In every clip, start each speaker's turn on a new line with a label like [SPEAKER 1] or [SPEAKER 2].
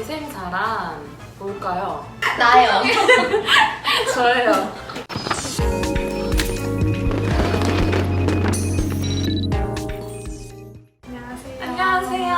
[SPEAKER 1] 위생사란 뭘까요?
[SPEAKER 2] 나요.
[SPEAKER 1] 저예요. 안녕하세요.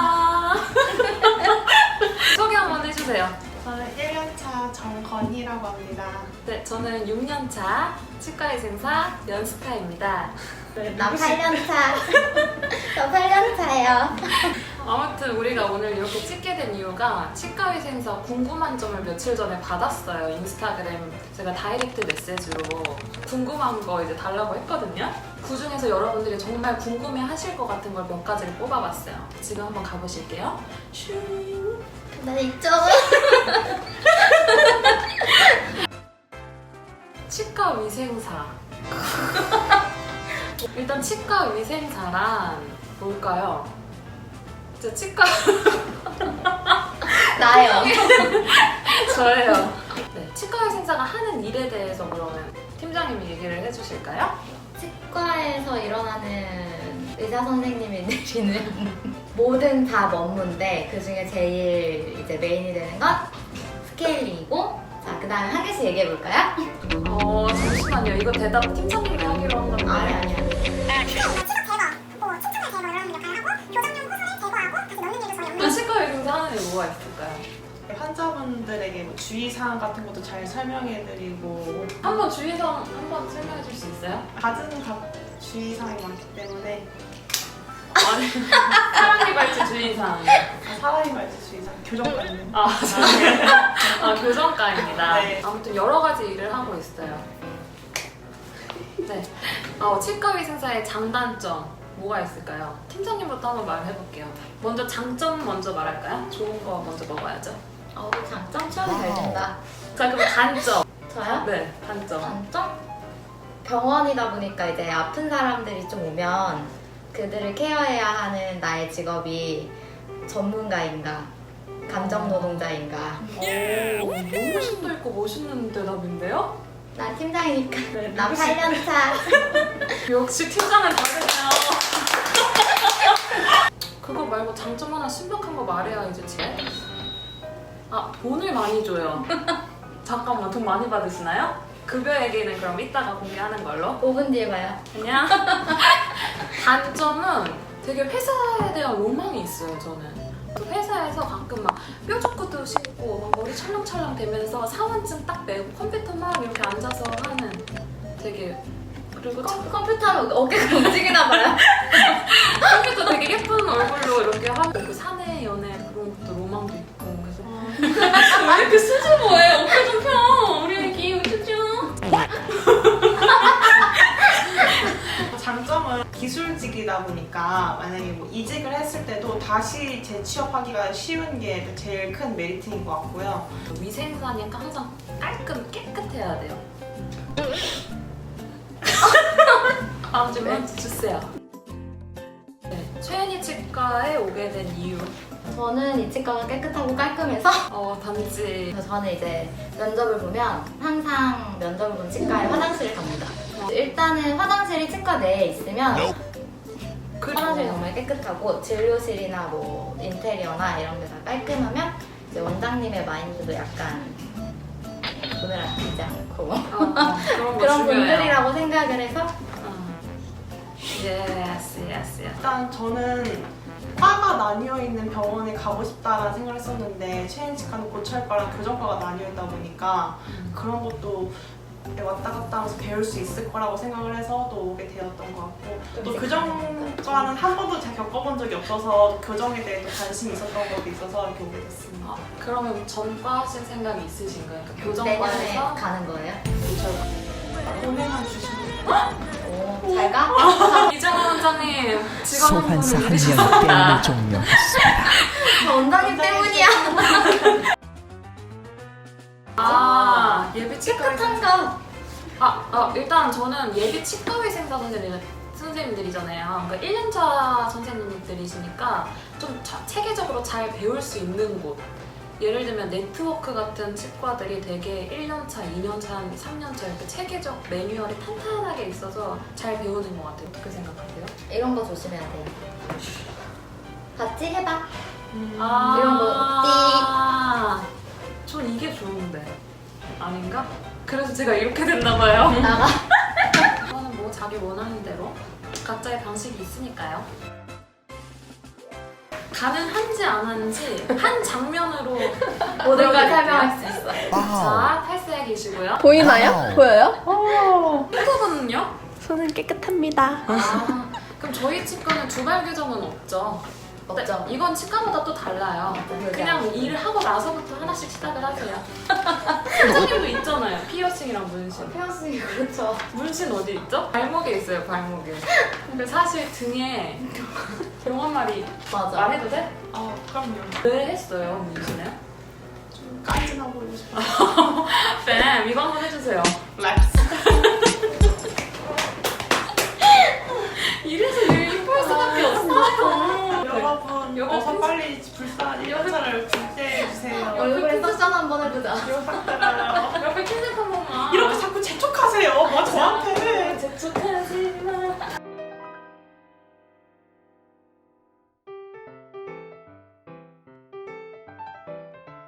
[SPEAKER 1] 소개 한번 해주세요.
[SPEAKER 3] 저는 1년차 정건희라고 합니다.
[SPEAKER 1] 네, 저는 6년차 치과위생사 연스카입니다.
[SPEAKER 2] 나 8년차. 저 8년차예요.
[SPEAKER 1] 아무튼 우리가 오늘 이렇게 찍게 된 이유가 치과위생사 궁금한 점을 며칠 전에 받았어요. 인스타그램 제가 다이렉트 메시지로 궁금한 거 이제 달라고 했거든요. 그 중에서 여러분들이 정말 궁금해 하실 것 같은 걸 몇 가지를 뽑아봤어요. 지금 한번 가보실게요. 슈.
[SPEAKER 2] 나 이쪽은.
[SPEAKER 1] 치과위생사. 일단 치과위생사란 뭘까요? 저 치과
[SPEAKER 2] 나요.
[SPEAKER 1] 저예요. 네, 치과위생사가 하는 일에 대해서 그러면 팀장님이 얘기를 해주실까요?
[SPEAKER 2] 치과에서 일어나는 의사 선생님이 내리는 모든 다 업무인데 그 중에 제일 이제 메인이 되는 건 스케일링이고, 자 그다음에 한 개씩 얘기해 볼까요?
[SPEAKER 1] 잠시만요. 이거 대답 팀장님이 하기로 한 건데.
[SPEAKER 2] 아니.
[SPEAKER 1] 치과위생사 하는 일 뭐가 있을까요?
[SPEAKER 3] 환자분들에게 뭐 주의사항 같은 것도 잘 설명해드리고
[SPEAKER 1] 한번 주의사항 한번 설명해 줄 수 있어요?
[SPEAKER 3] 갖은 주의사항이 많기 때문에
[SPEAKER 1] 아니, 사랑니 발치 주의사항.
[SPEAKER 3] 사람이 말지 주의사항, 교정관님.
[SPEAKER 1] 교정과입니다.
[SPEAKER 3] 네.
[SPEAKER 1] 아무튼 여러 가지 일을 하고 있어요. 네. 치과위생사의 장단점 뭐가 있을까요? 팀장님부터 한번 말해볼게요. 먼저 장점 먼저 말할까요? 좋은 거 먼저 먹어야죠.
[SPEAKER 2] 장점 취하면 잘 된다.
[SPEAKER 1] 자, 그럼 단점.
[SPEAKER 2] 저요?
[SPEAKER 1] 네, 단점.
[SPEAKER 2] 단점? 병원이다 보니까 이제 아픈 사람들이 좀 오면 그들을 케어해야 하는 나의 직업이 전문가인가 감정 노동자인가.
[SPEAKER 1] 너무 심도 있고 멋있는 대답인데요?
[SPEAKER 2] 난 팀장이니까.
[SPEAKER 1] 네,
[SPEAKER 2] 나 8년차.
[SPEAKER 1] 역시 팀장은 다르네요. 그거 말고 장점 하나 신박한 거 말해야 이제 돈을 많이 줘요. 잠깐만, 돈 많이 받으시나요? 급여 얘기는 그럼 이따가 공개하는 걸로.
[SPEAKER 2] 5분 뒤에 봐요.
[SPEAKER 1] 그냥 단점은 되게 회사에 대한 로망이 있어요. 저는 그 회사에서 가끔 막 뾰족구도 신고 막 머리 찰랑찰랑 되면서 사원증 딱 메고 컴퓨터 막 이렇게 앉아서 하는 되게, 그리고
[SPEAKER 2] 컴퓨터 하면 어깨가 움직이나 봐요.
[SPEAKER 1] 컴퓨터 되게 예쁜 얼굴로 이렇게 하고 그 사내 연애 그런 것도 로망도 있고. 그래서 왜 이렇게 수줍어해? 어깨 좀 펴. 우리 애기 수줍.
[SPEAKER 3] 장점은 기술직이다 보니까 만약에 뭐 이직을 했을 때도 다시 재취업하기가 쉬운 게 제일 큰 메리트인 것 같고요.
[SPEAKER 1] 위생사니까 항상 깔끔 깨끗해야 돼요. 다음 질문 주세요. 네, 최은희 치과에 오게 된 이유.
[SPEAKER 2] 저는 이 치과가 깨끗하고 깔끔해서
[SPEAKER 1] 단지
[SPEAKER 2] 그래서 저는 이제 면접을 보면 항상 면접을 본 치과에 화장실을 갑니다. 일단은 화장실이 치과 내에 있으면 화장실이 정말 깨끗하고 진료실이나 뭐 인테리어나 이런 게 다 깔끔하면 이제 원장님의 마인드도 약간 돈을 아끼지 않고 그런 분들이라고 생각을 해서
[SPEAKER 1] 예스.
[SPEAKER 3] 일단 저는 과가 나뉘어 있는 병원에 가고 싶다라는 생각을 했었는데 최인치과는 고철과랑 교정과가 나뉘어 있다 보니까 그런 것도 왔다 갔다 하면서 배울 수 있을 거라고 생각을 해서 또 오게 되었던 것 같고, 또 교정과는 한 번도 제가 겪어본 적이 없어서 교정에 대해 또 관심이 있었던 것도 있어서 이렇게 오게 됐습니다.
[SPEAKER 1] 그러면 전과 하실 생각이 있으신가요? 그러니까
[SPEAKER 2] 내년에
[SPEAKER 1] 교정과에서
[SPEAKER 2] 가는 거예요?
[SPEAKER 3] 돈에만 주시면
[SPEAKER 2] 오, 잘 가?
[SPEAKER 1] 이정원 원장님 직원 한
[SPEAKER 4] 소환사
[SPEAKER 1] 분을
[SPEAKER 4] 한 명
[SPEAKER 1] 잃으셨습니다.
[SPEAKER 4] 게임을 종료했습니다.
[SPEAKER 2] 저 원장님 때문이야.
[SPEAKER 1] 예비 치과
[SPEAKER 2] 깨끗한 거.
[SPEAKER 1] 일단 저는 예비 치과위생사 선생님들이잖아요. 그러니까 1년차 선생님들이시니까 좀 체계적으로 잘 배울 수 있는 곳. 예를 들면 네트워크 같은 치과들이 되게 1년차, 2년차, 3년차 이렇게 체계적 매뉴얼이 탄탄하게 있어서 잘 배우는 것 같아요. 어떻게 생각하세요?
[SPEAKER 2] 이런 거 조심해야 돼요. 같이 해봐.
[SPEAKER 1] 아,
[SPEAKER 2] 이런 거
[SPEAKER 1] 그래서 제가 이렇게 됐나 봐요.
[SPEAKER 2] 나가.
[SPEAKER 1] 그거는 뭐 자기 원하는 대로 각자의 방식이 있으니까요. 가능한지 안 하는지 한 장면으로
[SPEAKER 2] 모든 걸
[SPEAKER 1] 보여드릴게요.
[SPEAKER 2] 설명할 수 있어.
[SPEAKER 1] 자, 팔스에 계시고요.
[SPEAKER 5] 보이나요?
[SPEAKER 4] 와우.
[SPEAKER 5] 보여요?
[SPEAKER 1] 후보는요?
[SPEAKER 5] 손은 깨끗합니다.
[SPEAKER 1] 아, 그럼 저희 치과는 두발 규정은 없죠?
[SPEAKER 2] 없죠.
[SPEAKER 1] 이건 치과마다 또 달라요. 그냥 일을 하고 나서부터 하나씩 시작을 하세요. 선생님도 있잖아요. 피어싱이랑 문신.
[SPEAKER 2] 피어싱이 그렇죠.
[SPEAKER 1] 문신 어디 있죠? 발목에 있어요, 발목에. 근데 사실 등에 병원말이
[SPEAKER 2] 맞아.
[SPEAKER 1] 말해도 돼?
[SPEAKER 3] 그럼요.
[SPEAKER 1] 왜 했어요, 문신을?
[SPEAKER 3] 좀 깐진하고 보이고 싶어요.
[SPEAKER 1] 뱀, 이거 한번 해주세요.
[SPEAKER 3] 렉스.
[SPEAKER 1] 이래서 예쁠 수밖에 없어.
[SPEAKER 3] 여러분,
[SPEAKER 1] 요거
[SPEAKER 3] 어서
[SPEAKER 1] 핀-
[SPEAKER 3] 빨리 불쌍한 1년차를 불태해주세요.
[SPEAKER 2] 얼굴에 쿠션 한번 해보자.
[SPEAKER 3] 이거 딱